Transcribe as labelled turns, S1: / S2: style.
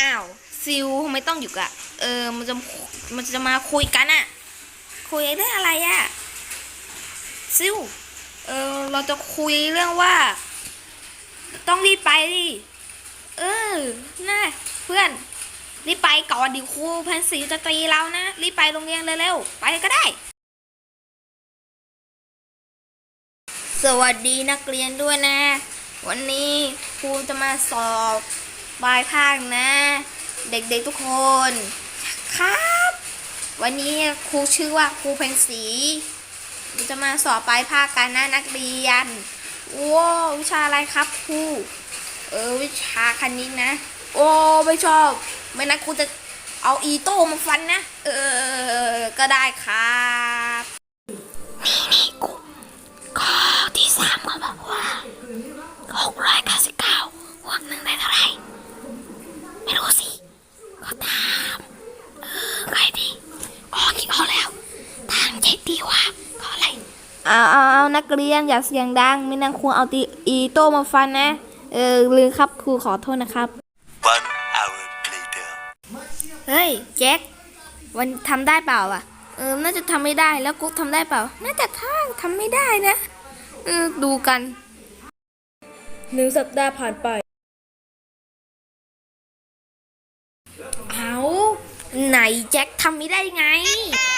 S1: อ้าวซิลทำไมต้องหยุดอะมันจะมาคุยกันอะคุยเรื่องอะไรอะซิลเราจะคุยเรื่องว่าต้องรีบไปดิเออนะเพื่อนรีบไปก่อนดิครูพันศรีจะตีเรานะรีบไปโรงเรียนเร็วๆไปก็ได้สวัสดีนักเรียนด้วยนะวันนี้ครูจะมาสอบปลายภาคนะเด็กๆทุกคนครับวันนี้ครูชื่อว่าครูเพ็ญศรีจะมาสอบปลายภาคกันนะนักเรียนว้าววิชาอะไรครับครูวิชาคณิตนะโอ้ไม่ชอบไม่นะครูจะเอาอีโต้มาฟันนะก็ได้ครับนี่ครูข้อที่3เขาบอกว่า699บวก1ได้เท่าไหร่ไม่รู้สิก็ตามใครดีคิดออกแล้วทางเจ็ดดีกว่าก็อะไรเอานักเรียนอย่าเสียงดังไม่นั่งครูเอาอีโต้มาฟันนะลืมครับครูขอโทษนะครับ
S2: One hour later
S1: เฮ้ยแจ็ควันทำได้เปล่าอ่ะน่าจะทำไม่ได้แล้วกุ๊กทำได้เปล่าน่าจะทำไม่ได้นะดูกัน1 สัปดาห์ผ่านไปเอาไหนแจ็คทำไม่ได้ไง